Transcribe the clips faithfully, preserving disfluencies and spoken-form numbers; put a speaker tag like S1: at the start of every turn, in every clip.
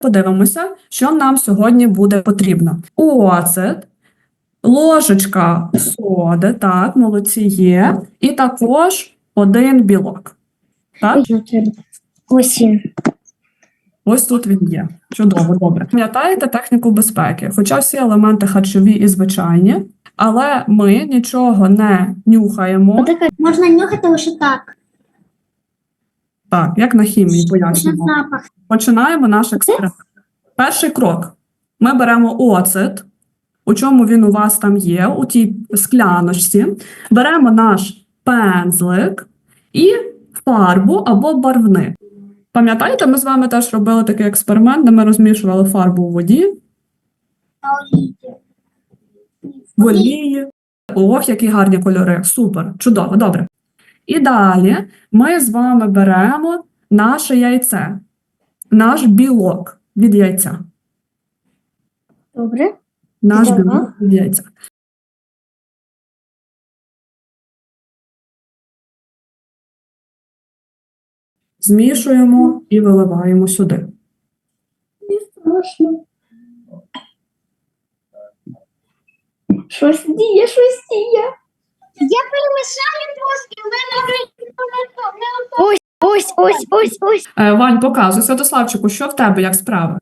S1: Подивимося, що нам сьогодні буде потрібно. Оцет, ложечка соди, так, молодці є, і також один білок. Так?
S2: Ось він.
S1: Ось тут він є. Чудово, добре. Пам'ятаєте техніку безпеки? Хоча всі елементи харчові і звичайні, але ми нічого не нюхаємо.
S2: Можна нюхати лише так.
S1: Так, як на хімії
S2: Лише
S1: пояснюємо.
S2: запах.
S1: Починаємо наш експеримент. Перший крок. Ми беремо оцет, у чому він у вас там є, у тій скляночці. Беремо наш пензлик і фарбу або барвник. Пам'ятаєте, ми з вами теж робили такий експеримент, де ми розмішували фарбу у воді, в олії. Ох, які гарні кольори. Супер, чудово, добре. І далі ми з вами беремо наше яйце, наш білок від яйця.
S2: Добре.
S1: Наш
S2: Ага.
S1: білок від яйця. Змішуємо і виливаємо сюди.
S2: Страшно. Щось діє, щось діє. Я перемішаю трошки, але не Ось, ось, ось, ось, ось.
S1: Е, Вань, показуй. Святославчику, що в тебе, як справи?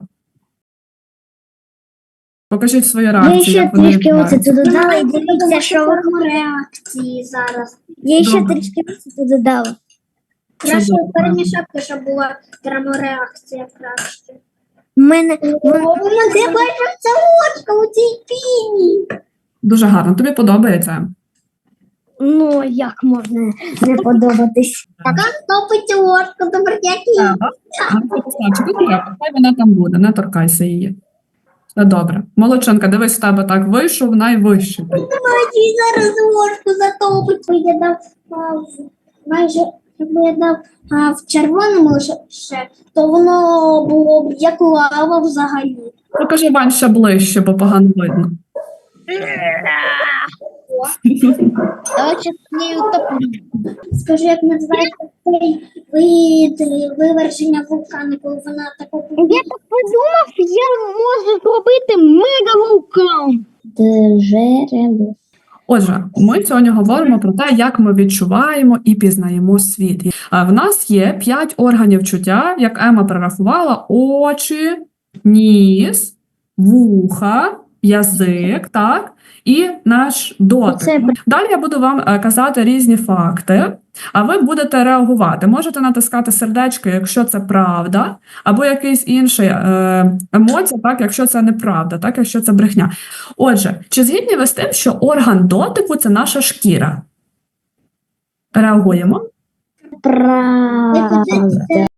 S1: Покажіть свої
S2: Я
S1: реакції,
S2: ще
S1: як вони
S2: трішки
S1: відбуваються.
S2: оцету додала і дивіться, що ви реакції зараз. Я ще
S1: Добре.
S2: трішки оцету додала. Краще
S1: Чудово.
S2: перемішати, щоб була термореакція краще. У мене... Ти бачиш, це ложка у цій піні.
S1: Дуже гарно. Тобі подобається?
S2: Ну, як можна не подобатись? Така топиться ложка, добре, які.
S1: Ага. Святославчику, не треба. Хай вона там буде, не торкайся її. Все добре. Молодчинка, дивись, в тебе так вийшов найвищий.
S2: Бачиш, зараз ложку затопить. Я дав а, в- майже, якби я дав а, в червоному лише, то воно було б як лава взагалі.
S1: Покажи, Вань, ще ближче, бо погано видно.
S2: Давайте нею топлю. Скажи, як називається цей вид виверження вулкану, коли вона таку... Я так подумав, я можу зробити мегавулкан. Джерело.
S1: Отже, ми сьогодні говоримо про те, як ми відчуваємо і пізнаємо світ. А в нас є п'ять органів чуття, як Ема перерахувала: очі, ніс, вуха, язик, так, і наш дотик.
S2: Це-
S1: Далі я буду вам е, казати різні факти, а ви будете реагувати. Можете натискати сердечко, якщо це правда, або якийсь інший е, емоція, так, якщо це неправда, так, якщо це брехня. Отже, чи згідні ви з тим, що орган дотику – це наша шкіра? Реагуємо.
S2: Правда.